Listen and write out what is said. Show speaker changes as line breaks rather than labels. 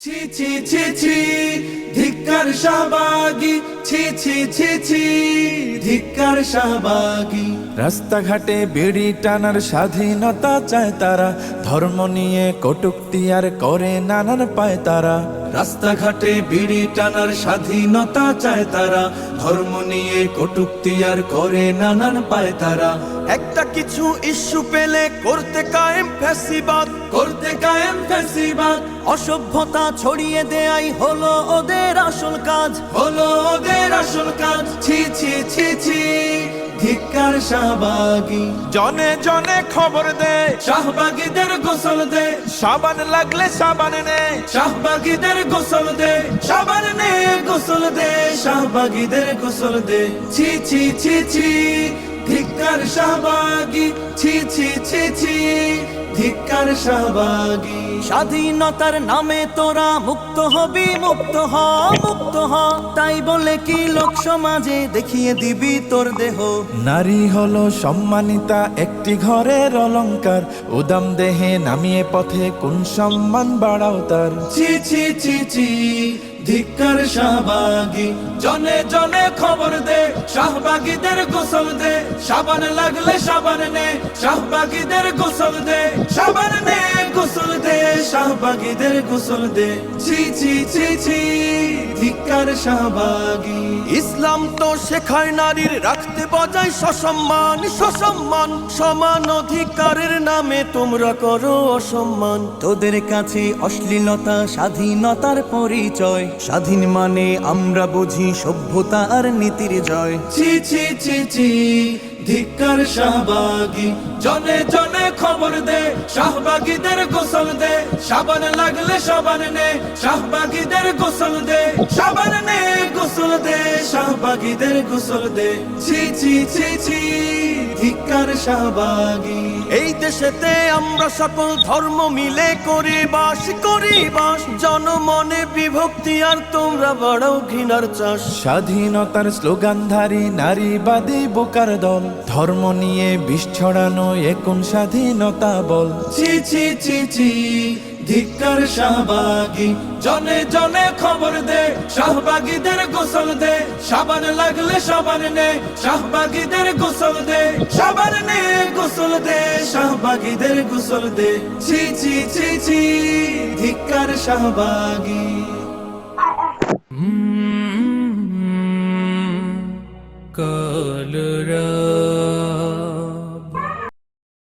ছি ছি ছি ছি ধিক্কার শাহবাগী, ছি ছি ছি ছি ধিক্কার শাহবাগী।
রাস্তাঘাটে বিড়ি টানার স্বাধীনতা চায় তারা, ধর্ম নিয়ে কটূক্তি আর করে নানান পায় তারা।
রাস্তাঘাটে বিড়ি টানার স্বাধীনতা চায় তারা, ধর্ম নিয়ে কটূক্তি আর করে নানান পায় তারা।
একটা কিছু ইস্যু পেলে করতে কায়েম ফ্যাসিবাদ,
করতে কায়েম ফ্যাসিবাদ।
অসভ্যতা ছড়িয়ে দেয়াই হলো ওদের আসল কাজ।
হলো ওদের আসল কাজ। ছি ছি ছি ছি ধিক্কার শাহবাগী।
জনে জনে খবর দে,
শাহবাগীদের গোসল দে,
সাবান লাগলে সাবান নে।
শাহবাগীদের গোসল দে, সাবান নে গোসল দে, শাহবাগীদের গোসল দে। ছি ছি ছি ছি ধিক্কার শাহবাগী, ছি ছি ছি ছি ধিক্কার শাহবাগী।
স্বাধীনতার নামে তোরা মুক্ত হবি, মুক্ত হ, মুক্ত হ। তাই বলে কি লোক সমাজে দেখিয়ে দিবি তোর দেহ?
নারী হলো সম্মানিতা একটি ঘরের অলংকার, উদাম দেহে নামিয়ে পথে কোন সম্মান বাড়াও তার।
ছি ছি ছি ছি ধিক্কার শাহবাগী। জনে জনে খবর দে, শাহবাগীদের গোসল দে, সাবান লাগলে সাবান নে, শাহবাগীদের গোসল দে, সাবান নে গোসল দে, শাহবাগীদের গোসল দে। ছি ছি ছি ছি ধিক্কার শাহবাগী।
ইসলাম তো শেখায় নারীর রাখতে বজায় সসম্মান, সসম্মান। সমান অধিকারের নামে তোমরা করো অসম্মান। তোদের কাছে অশ্লীলতা স্বাধীনতার পরিচয়। স্বাধীন মানে আমরা বুঝি সভ্যতা আর নীতির জয়।
ছি ছি ছি ছি ধিক্কার শাহবাগী। জনে জনে খবর দে, শাহবাগীদের গোসল দে, সাবান লাগলে সাবান নে, শাহবাগীদের গোসল দে, সাবান নে গোসল দে, শাহবাগীদের গোসল দে। ছি ছি ছি ছি ধিক্কার শাহবাগী।
এই দেশেতে আমরা সকল ধর্ম মিলে করি বাস, করি বাস। জনমনে বিভক্তি আর তোমরা বাড়াও ঘৃণার চাষ।
স্বাধীনতার স্লোগানধারী নারীবাদী বোকার দল, ধর্ম নিয়ে বিষ ছড়ানো কোন স্বাধীনতা বল।
ছি ছি ছি ছি ধিক্কার শাহবাগী। জনে জনে খবর দে, শাহবাগীদের গোসল দে, সাবান লাগলে সাবান নে, শাহবাগীদের গোসল দে, সাবান নে গোসল দে, শাহবাগীদের গোসল দে। ছি ছি ছি ছি ধিক্কার শাহবাগী।
কলরা